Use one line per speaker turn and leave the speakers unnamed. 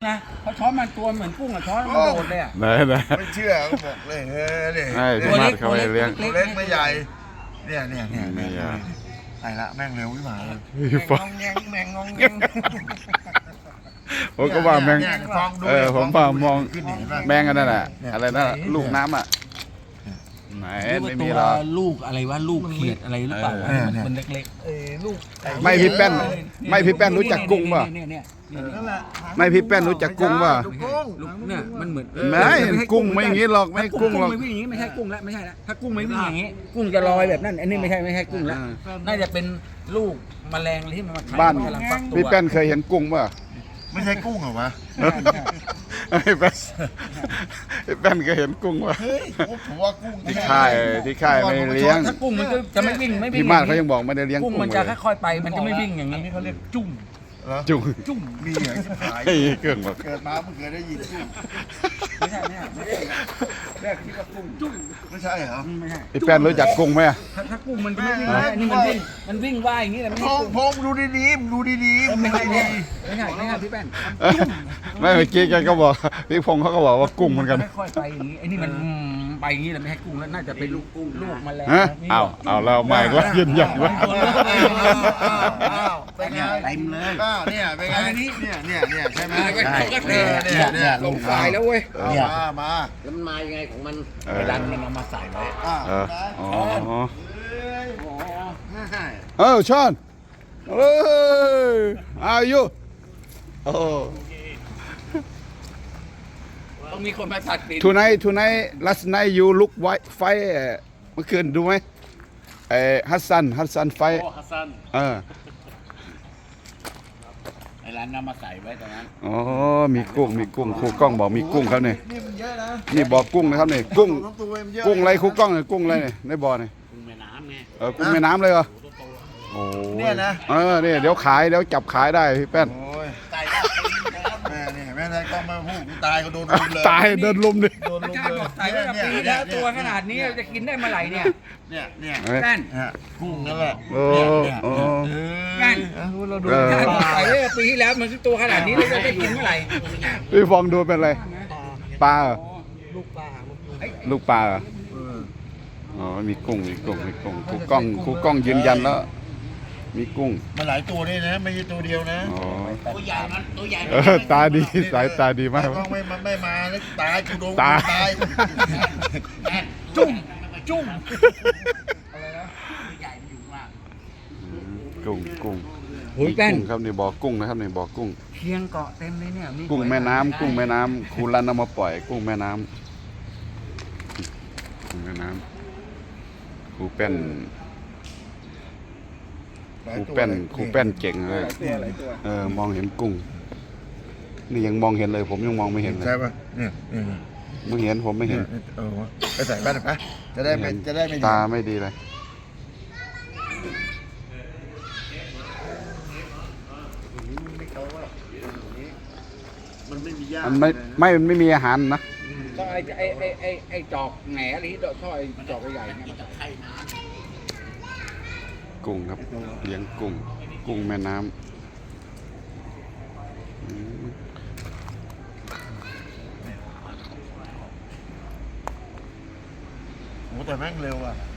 นะเพราะช้อนมันตัวเหมือนกุ้งอะช้อนมันโดดเลยอะ
ไหน
ไม่เชื่อก็บอกเลยเฮ้ยเนี่ย
ให้พี่มาดเขาไปเลี้ยง
ตัวเล็กไม่ใหญ่เนี่ย
ไม่ใหญ่
ไอ้ละแม่งเร็ววิมานเลย
พี่ฟอง
แมงงองแงง
ผมก็ว่าแมง
เนี่ยฟองดู
ผมว่ามอง
ขึ้นเห็นป่ะ
แมงกันนั่นแหละอะไรนะลูกน้ำอ่ะไหนไม่มีหรอก
ลูกอะไรวะลูกเขียดอะไรหรือเปล่ามันเล็ก
ลูก
ไม่พี่แป้นไม่พี่แป้นรู้จักกุ้งป่ะ
เนี่ย
นั่นแหละ
ไม่พี่แป้นรู้จักกุ้งป่ะ
ลูกกุ้ง
เนี่ยมันเหมือน
ไม่กุ้งไม่อย่างนี้หรอกไม่กุ้งหรอก
ไม่วิ่งอย่างนี้ไม่ใช่กุ้งแล้วไม่ใช่แล้วถ้ากุ้งไม่วิ่งอย่างนี้กุ้งจะลอยแบบนั้นอันนี้ไม่ใช่กุ้งแล้วน่าจะเป็นลูกแมลงที่มันมาไข่
บ้าน
กำลังฟักตัว
พี่แป้นเคยเห็นกุ้งป่ะ
ไม่ใช่กุ้งเหรอวะ
พี่แป้นพี่แป้นเคยเห็นกุ้งป่ะ
เฮ้ยผมว่ากุ้ง
ที่ค่ายไม่เลี้ยง
ถ้ากุ้งมันก็จะไม่วิ่ง
พี่มาดเขายังบอกไม่ได้เลี้ยง
กุ้ง
กุ้ง
มัน
เล
จะ
ย
ค่อยๆไปมันจะไม่วิ่งอย่างนี้
เขาเรียกจุ่มเหรอ
จุง
จุ่มมีเหรอที่ขาย
ไอ้เครื่องบอก
เกิดมาเพิ่งเคยได้ยินจุ่ม
ไม่ใช่แรกคิดว่ากุ้งจุ้ง
ไม่ใช่เหรอ
ไม่ใช่
พี่แป้นรู้จักกุ้งไหม
ถ้ากุ้งมันจะไม่วิ่งนะอันนี้มันวิ่งว่ายอย่างนี้แหละไม่
พ
ใช่
ง
กุ้ง
พงดูดีๆดูดีๆ
ไม่
ดู
ใช่
ดี
ไม่ใช่พี่แป้น
ไม่เมื่อกี้แกก็บอกพี่พงศ์เขาก็บอกว่ากุ้งเหมือนกัน
ค่อยๆไปอย่างนี้ไอ้นี่มันไปอย่างนี้แหละไม่ใช่กุ้งแล้วน่าจะเป็นลูกกุ้งลูกแมลง
ฮะเอาแล้วไม่ก็ยืนยันว่า
อ้าวเป็นไง
เต็มเลย
อ้าวเนี่ยเป็นไงเนี่ยใช่ไหม
เนี่ยลงทรายแล้วเว้ย
มา
แล้วมันมายังไงของมันไปดันมันเอามาใส่ไว้
อ๋อชอนเอ้ยอายุโอ้
ต้องมีคนมาตัดติด
tonight last night you look white fight เมื่อคืนดูไหมฮัสซันไฟ
ฮัสซันไอ้ร้านนำมาใส่ไว้ตรงนั้น
อ๋อมีกุ้งครูกล้องบอกมีกุ้งครับเนี่ย
นี่มันเยอะนะ
นี่บอกกุ้งนะครับเนี่ยกุ้ง
ทั้งตัวมันเยอะ
กุ้งอะไรครูกล้องเนี่ยกุ้งอะไรเนี่ยในบ่อเนี่ย
กุ้งแม่น้ำไง
กุ้งแม่น้ำเลยเหรอโอ้
เนี่ยนะ
เนี่ยเดี๋ยวขายเดี๋ยวจับขายได้พี่แป้น
โอ้ยตายแม่เนี่ยแม่นายก็มาพูดกูตายก็โดนลุมเลย
ตายเดินลุมดิ
โดนลุม
กล้า
เลย
บอกใส่ไว้กับปีแล้วตัวขนาดนี้จะกินได้เมื่อไหร่เนี่ย
เนี่ย
แป้น
กุ้งนั่นแหละ
โอ้โอ้
นั่น
เราดู
กล้าบอกใส่ไว้กับปีที่แล้วมันตัวขนาดนี้แล้วจะได้กินเมื่อไหร่
พี่ฟองดูเป็นอะไรปลาเหรอ
ลูกปลา
ลูกปลาเหรออ๋อมีกุ้งครูกล้องยืนยันแล้วมีกุ้ง
มาหลายตัวนี่นะไม่ใช่ตัวเดียวนะ
อ๋อ
ตัวใหญ่มันตัวใหญ่
ตาดีสายตาดีมาก
ก็ไม่มาแล้วตายกูโดน
ตาย
ตาย
จุ่ม
ใหญ่อยู่มาก
กุ้ง
โอ้ยแป้น
กุ้งครับนี่บ่อกุ้งนะครับนี่บ่อกุ้ง
เคียงเกาะเต็มเลยเนี่ย
กุ้งแม่น้ำครูรันเอามาปล่อยกุ้งแม่น้ำครูเป็นครูเป็นเก่งเลยมองเห็นกุ้งนี่ยังมองเห็นเลยผมยังมองไม่เห็นเลย
ใช่ป่ะเนี่ย
มึงเห็นผมไม่เห็น
ไปใส่บ้านไปจะได้ไม่
ตาไม่ดีเลย
มันไม่มีหญ้า
มันไม่มีอาหารนะ
ต้องไอ้จอกแหน่หรือท่อไอ้จอกใหญ่ๆเนี่ยมันจะไข่น้ำ
กุ้งครับเลี้ยงกุ้งแม่น้ำ
โอ้แต่แม่งเร็วอ่ะ